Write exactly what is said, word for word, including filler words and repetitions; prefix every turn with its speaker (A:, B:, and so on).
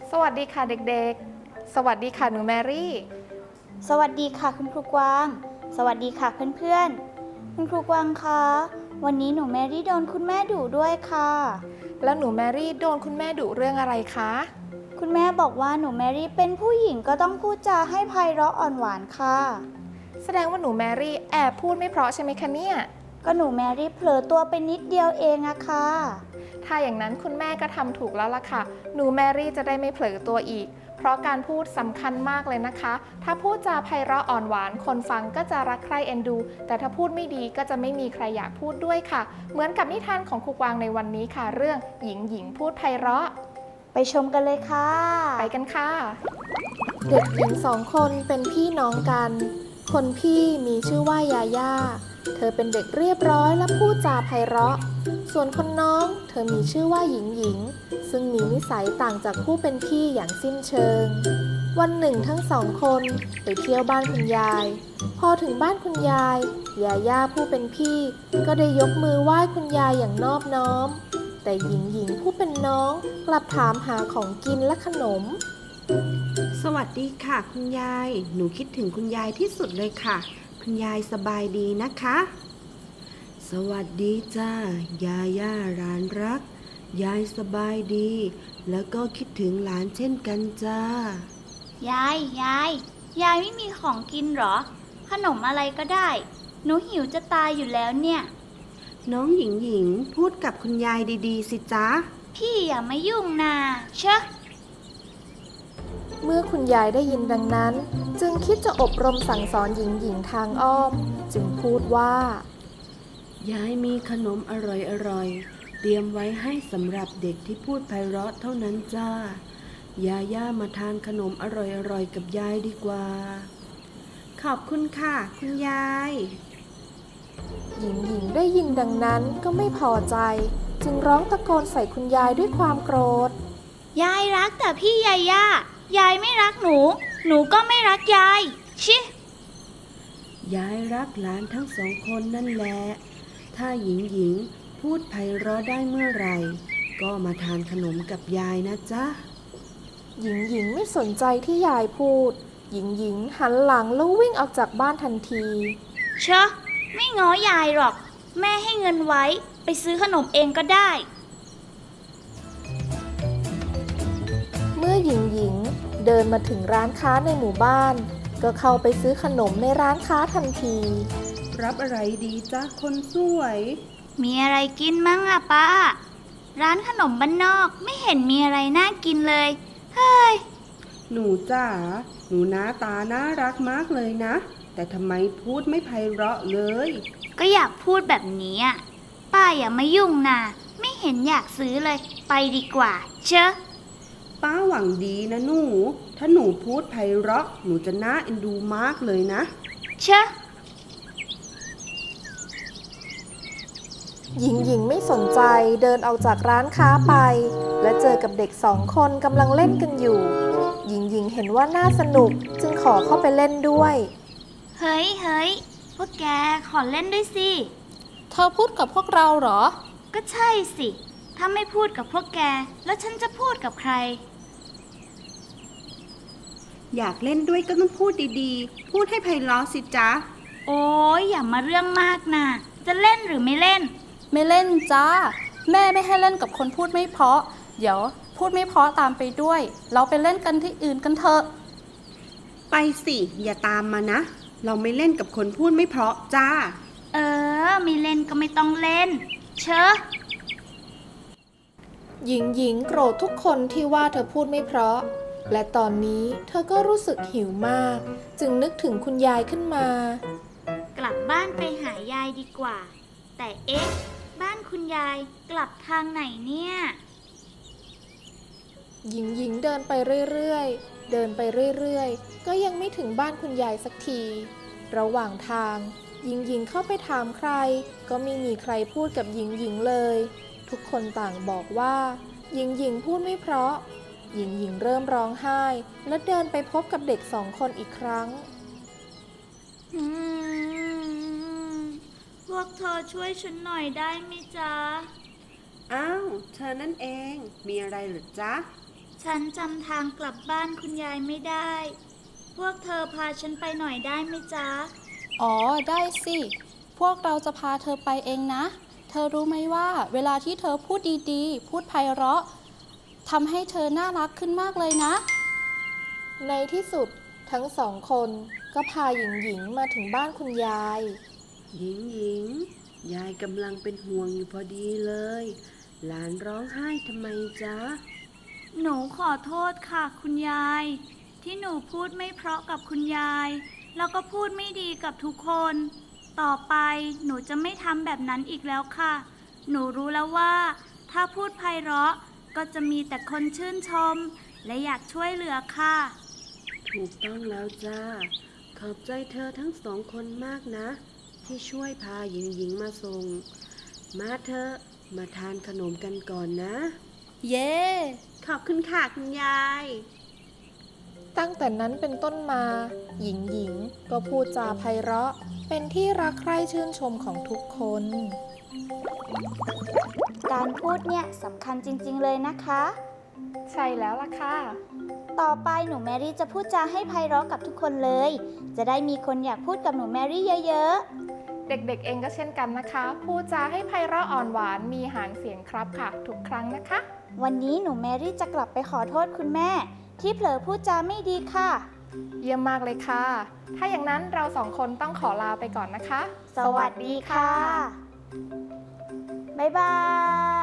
A: สวัสดีค่ะเด็กๆ สวัสดีค่ะหนูแมรี่
B: สวัสดีค่ะคุณครูกวางสวัสดีค่ะเพื่อนๆคุณครูกวางคะวันนี้หนูแมรี่โดนคุณแม่ดุด้วยค่ะ
A: แล้วหนูแมรี่โดนคุณแม่ดุเรื่องอะไรคะ
B: คุณแม่บอกว่าหนูแมรี่เป็นผู้หญิงก็ต้องพูดจาให้ไพเราะอ่อนหวานค่ะ
A: แสดงว่าหนูแมรี่แอบพูดไม่เพราะใช่ไหมคะเนี่ย
B: ก็หนูแมรี่เผลอตัวไปนิดเดียวเองอะค่ะ
A: ถ้าอย่างนั้นคุณแม่ก็ทำถูกแล้วล่ะค่ะ หนูแมรี่จะได้ไม่เผลอตัวอีก เพราะการพูดสำคัญมากเลยนะคะ ถ้าพูดจาไพเราะอ่อนหวานคนฟังก็จะรักใคร่เอ็นดู แต่ถ้าพูดไม่ดีก็จะไม่มีใครอยากพูดด้วยค่ะ เหมือนกับนิทานของครูกวางในวันนี้ค่ะ เรื่องหญิงหญิงพูดไพเราะ
B: ไปชมกันเลยค่ะ
A: ไปกันค่ะเด็กหญิงสองคนเป็นพี่น้องกัน คนพี่มีชื่อว่ายาย่าเธอเป็นเด็กเรียบร้อยและพูดจาไพเราะส่วนคนน้องเธอมีชื่อว่าหญิงหญิงซึ่งมีนิสัยต่างจากผู้เป็นพี่อย่างสิ้นเชิงวันหนึ่งทั้งสองคนไปเที่ยวบ้านคุณยายพอถึงบ้านคุณยายยาย่าผู้เป็นพี่ก็ได้ยกมือไหว้คุณยายอย่างนอบน้อมแต่หญิงหญิงผู้เป็นน้องกลับถามหาของกินและขนม
C: สวัสดีค่ะคุณยายหนูคิดถึงคุณยายที่สุดเลยค่ะคุณยายสบายดีนะคะสวัสดีจ้ายาย่าหลานรักยายสบายดีแล้วก็คิดถึงหลานเช่นกันจ้าย
B: ายยายยายไม่มีของกินหรอขนมอะไรก็ได้หนูหิวจะตายอยู่แล้วเนี่ย
C: น้องหญิงหญิงพูดกับคุณยายดีๆสิจ๊ะ
B: พี่อย่ามายุ่งนาเชอะ
A: เมื่อคุณยายได้ยินดังนั้นจึงคิดจะอบรมสั่งสอนหญิงหญิงทางอ้อมจึงพูดว่าย
C: ายมีขนมอร่อยๆเตรียมไว้ให้สำหรับเด็กที่พูดไพเราะเท่านั้นจ้ายาย่ามาทานขนมอร่อยๆกับยายดีกว่าขอบคุณค่ะคุณยาย
A: หญิงหญิงได้ยินดังนั้นก็ไม่พอใจจึงร้องตะโกนใส่คุณยายด้วยความโกรธ
B: ยายรักแต่พี่ยาย่ายายไม่รักหนูหนูก็ไม่รักยายชิ
C: ยายรักหลานทั้งสองคนนั่นแหละถ้าหญิงหญิงพูดไพเราะได้เมื่อไหร่ก็มาทานขนมกับยายนะจ๊ะ
A: หญิงหญิงไม่สนใจที่ยายพูดหญิงหญิงหันหลังแล้ววิ่งออกจากบ้านทันที
B: เชอะไม่ง้อยายหรอกแม่ให้เงินไว้ไปซื้อขนมเองก็ได้
A: เมื่อหญิงหญิงเดินมาถึงร้านค้าในหมู่บ้านก็เข้าไปซื้อขนมในร้านค้าทันที
C: รับอะไรดีจ๊ะคนสวย
B: มีอะไรกินมั้งอะป้าร้านขนมบ้านนอกไม่เห็นมีอะไรน่ากินเลยเฮ้ย
C: หนูจ๋าหนูหน้าตาน่ารักมากเลยนะแต่ทำไมพูดไม่ไพเราะเลย
B: ก็อยากพูดแบบนี้อะป้าอย่ามายุ่งนะไม่เห็นอยากซื้อเลยไปดีกว่าเชอะ
C: ป้าหวังดีนะหนูถ้าหนูพูดไพเราะหนูจะน่าเอ็นดูมากเลยนะ
B: เชอะ
A: หญิงหญิงไม่สนใจเดินออกจากร้านค้าไปและเจอกับเด็กสองคนกำลังเล่นกันอยู่หญิงหญิงเห็นว่าน่าสนุกจึงขอเข้าไปเล่นด้วย
B: เฮ้ยเฮ้ยพวกแกขอเล่นด้วยสิ
A: เธอพูดกับพวกเราเหรอ
B: ก็ใช่สิถ้าไม่พูดกับพวกแกแล้วฉันจะพูดกับใคร
C: อยากเล่นด้วยก็ต้องพูดดีๆพูดให้ไพเราะสิจ๊ะ
B: โอ้ยอย่ามาเรื่องมากนะจะเล่นหรือไม่เล่น
D: ไม่เล่นจ้าแม่ไม่ให้เล่นกับคนพูดไม่เพราะเดี๋ยวพูดไม่เพราะตามไปด้วยเราไปเล่นกันที่อื่นกันเถอะ
C: ไปสิอย่าตามมานะเราไม่เล่นกับคนพูดไม่เพราะจ้า
B: เออไม่เล่นก็ไม่ต้องเล่นเชอะ
A: หญิงหญิงโกรธทุกคนที่ว่าเธอพูดไม่เพราะและตอนนี้เธอก็รู้สึกหิวมากจึงนึกถึงคุณยายขึ้นมาก
B: ลับบ้านไปหายายดีกว่าแต่เอ๊ะบ้านคุณยายกลับทางไหนเนี่ย
A: หญิงหญิงเดินไปเรื่อยๆเดินไปเรื่อยๆก็ยังไม่ถึงบ้านคุณยายสักทีระหว่างทางหญิงหญิงเข้าไปถามใครก็ไม่มีใครพูดกับหญิงหญิงเลยทุกคนต่างบอกว่าหญิงหญิงพูดไม่เพราะหญิงหญิงเริ่มร้องไห้และเดินไปพบกับเด็กสองคนอีกครั้ง
B: พวกเธอช่วยฉันหน่อยได้ไหมจ๊ะ
C: อ้าวเธอนั่นเองมีอะไรหรือจ๊ะ
B: ฉฉันจำทางกลับบ้านคุณยายไม่ได้ พวกเธอพาฉันไปหน่อยได้ไหมจ๊ะ
D: อ๋อ ได้สิ พวกเราจะพาเธอไปเองนะ เธอรู้ไหมว่า เวลาที่เธอพูดดีๆ พูดไพเราะทำให้เธอน่ารักขึ้นมากเลยนะ
A: ในที่สุดทั้งสองคนก็พาหญิงหญิงมาถึงบ้านคุณยาย
C: หญิงหญิงยายกำลังเป็นห่วงอยู่พอดีเลย หลานร้องไห้ทำไมจ๊ะ
B: หนูขอโทษค่ะคุณยาย ที่หนูพูดไม่เพราะกับคุณยาย แล้วก็พูดไม่ดีกับทุกคน ต่อไปหนูจะไม่ทำแบบนั้นอีกแล้วค่ะ หนูรู้แล้วว่า ถ้าพูดไพเราะก็จะมีแต่คนชื่นชม และอยากช่วยเหลือค่ะ
C: ถูกต้องแล้วจ้า ขอบใจเธอทั้งสองคนมากนะ ที่ช่วยพาหญิงหญิงมาส่ง มาเถอะมาทานขนมกันก่อนนะ
D: เย้
C: ขอบคุณค่ะคุณยาย
A: ตั้งแต่นั้นเป็นต้นมา หญิงหญิงก็พูดจาไพเราะ เป็นที่รักใคร่ชื่นชมของทุกคน
B: การพูดเนี่ยสำคัญจริงๆเลยนะคะ
A: ใช่แล้วล่ะค่ะ
B: ต่อไปหนูแมรี่จะพูดจาให้ไพเราะกับทุกคนเลย จะได้มีคนอยากพูดกับหนูแมรี่เยอะๆ
A: เด็กๆเองก็เช่นกันนะคะ พูดจาให้ไพเราะอ่อนหวานมีหางเสียงครับค่ะ ทุกครั้งนะคะ
B: วันนี้หนูแมรี่จะกลับไปขอโทษคุณแม่ ที่เผลอพูดจาไม่ดีค่ะ
A: เยี่ยมมากเลยค่ะ ถ้าอย่างนั้นเราสองคนต้องขอลาไปก่อนนะคะ
B: สวัสดีค่ะ บ๊ายบาย